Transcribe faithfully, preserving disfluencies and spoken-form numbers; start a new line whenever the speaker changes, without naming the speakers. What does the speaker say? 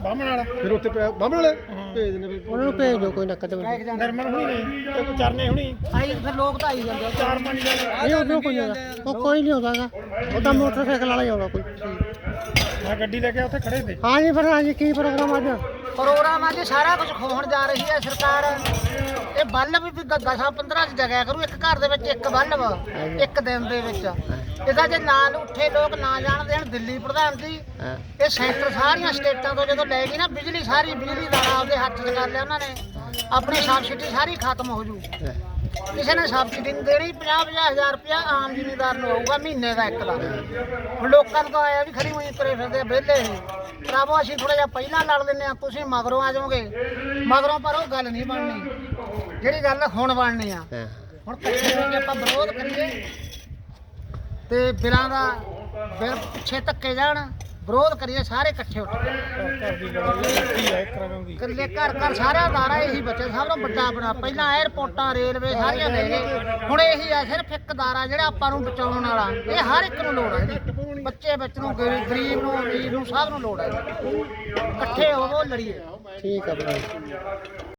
ਬਾਹਮਣ ਵਾਲਾ
ਫਿਰ ਉੱਥੇ ਬਾਹਮਣ ਵਾਲੇ ਭੇਜ ਦਿੰਦੇ ਫਿਰ
ਉਹਨਾਂ ਨੂੰ ਭੇਜ ਦਿਓ ਕੋਈ ਨੱਕਾ ਤੇ
ਨਰਮਨ ਹੁਣੀ ਨਹੀਂ ਤੇ ਕੋਈ ਚਰਨੇ ਹੁਣੀ
ਆਈ ਫਿਰ ਲੋਕ ਤਾਂ ਆਈ ਜਾਂਦੇ ਆ।
ਚਾਰ ਪੰਜ ਜਣੇ
ਨਹੀਂ ਉਦੋਂ ਕੋਈ ਨਹੀਂ ਆਉਂਦਾ ਉਹ ਕੋਈ ਨਹੀਂ ਆਉਂਦਾਗਾ ਉਹ ਤਾਂ ਮੋਟਰਸਾਈਕਲ ਵਾਲਾ ਹੀ ਆਉਂਦਾ ਕੋਈ
ਮੈਂ ਗੱਡੀ ਲੈ ਕੇ ਉੱਥੇ ਖੜੇ ਤੇ
ਹਾਂ ਜੀ ਫਿਰ ਹਾਂ ਜੀ ਕੀ ਪ੍ਰੋਗਰਾਮ ਅੱਜ
ਪ੍ਰੋਗਰਾਮ ਅੱਜ ਸਾਰਾ ਕੁਝ ਖੋਹਣ ਜਾ ਰਹੀ ਹੈ ਸਰਕਾਰ। ਇਹ ਬੱਲਬ ਵੀ ਦਸਾਂ ਪੰਦਰਾਂ ਚ ਜਗਿਆ ਕਰੂ ਇੱਕ ਘਰ ਦੇ ਵਿੱਚ ਇੱਕ ਬੱਲਬ ਇੱਕ ਦਿਨ ਦੇ ਵਿੱਚ। ਇਹਦਾ ਜੇ ਨਾਲ ਉੱਠੇ ਲੋਕ ਨਾ ਜਾਣ ਦੇਣ ਦਿੱਲੀ ਪ੍ਰਧਾਨ ਜੀ ਇਹ ਸੈਂਟਰ ਸਾਰੀਆਂ ਸਟੇਟਾਂ ਤੋਂ ਜਦੋਂ ਲੈ ਗਈ ਨਾ ਬਿਜਲੀ ਸਾਰੀ ਬਿਜਲੀ ਦਾ ਆਪਦੇ ਹੱਥ 'ਚ ਕਰ ਲਿਆ ਉਹਨਾਂ ਨੇ। ਆਪਣੀ ਸਬਸਿਡੀ ਸਾਰੀ ਖਤਮ ਹੋ ਜੂ। ਕਿਸੇ ਨੇ ਸਬਸਿਡੀ ਨਹੀਂ ਦੇਣੀ। ਪੰਜਾਹ ਪੰਜਾਹ ਹਜ਼ਾਰ ਰੁਪਇਆ ਆਮ ਜ਼ਿਮੀਂਦਾਰ ਨੂੰ ਆਊਗਾ ਮਹੀਨੇ ਦਾ ਇੱਕ ਦਾ। ਹੁਣ ਲੋਕਾਂ ਨੂੰ ਤਾਂ ਆਇਆ ਵੀ ਖੜੀ ਹੋਈ ਤੁਰੇ ਫਿਰਦੇ ਵਿਹਲੇ ਇਹ ਭਰਾਵੋ ਅਸੀਂ ਥੋੜਾ ਜਿਹਾ ਪਹਿਲਾਂ ਲੜ ਲੈਂਦੇ ਆ ਤੁਸੀਂ ਮਗਰੋਂ ਆ ਜਾਓਗੇ ਮਗਰੋਂ ਪਰ ਉਹ ਗੱਲ ਨਹੀਂ ਬਣਨੀ ਜਿਹੜੀ ਗੱਲ ਹੁਣ ਬਣਨੀ ਆ। ਹੁਣ ਇਕੱਠੇ ਹੋ ਕੇ ਆਪਾਂ ਵਿਰੋਧ ਕਰੀਏ ਤੇ ਬਿਲਾਂ ਦਾ ਬਿਲ ਪਿੱਛੇ ਧੱਕੇ ਜਾਣ ਵਿਰੋਧ ਕਰੀਏ ਸਾਰੇ ਇਕੱਠੇ ਉੱਠ ਕੇ।
ਘਰ ਦੀ ਲੜਾਈ ਹੈ ਇੱਕ ਰਕਮ ਦੀ
ਇਕੱਲੇ ਘਰ ਘਰ ਸਾਰਿਆਂ ਦਾਰਾ ਇਹੀ ਬੱਚੇ ਸਭ ਤੋਂ ਵੱਡਾ ਬਣਾ ਪਹਿਲਾਂ 에ਅਰਪੋਰਟਾਂ ਰੇਲਵੇ ਸਾਰੀਆਂ ਦੇ ਗਏ ਹੁਣ ਇਹੀ ਆ ਸਿਰਫ ਇੱਕ ਦਾਰਾ ਜਿਹੜਾ ਆਪਾਂ ਨੂੰ ਬਚਾਉਣ ਵਾਲਾ। ਇਹ ਹਰ ਇੱਕ ਨੂੰ ਲੋੜ ਹੈ ਇਹਦੀ। ਬੱਚੇ ਵਿੱਚ ਨੂੰ ਗਰੀਬ ਨੂੰ ਅਮੀਰ ਨੂੰ ਸਭ ਨੂੰ ਲੋੜ ਹੈ। ਇਕੱਠੇ ਹੋਵੋ ਲੜੀਏ।
ਠੀਕ ਆ ਭਰਾ।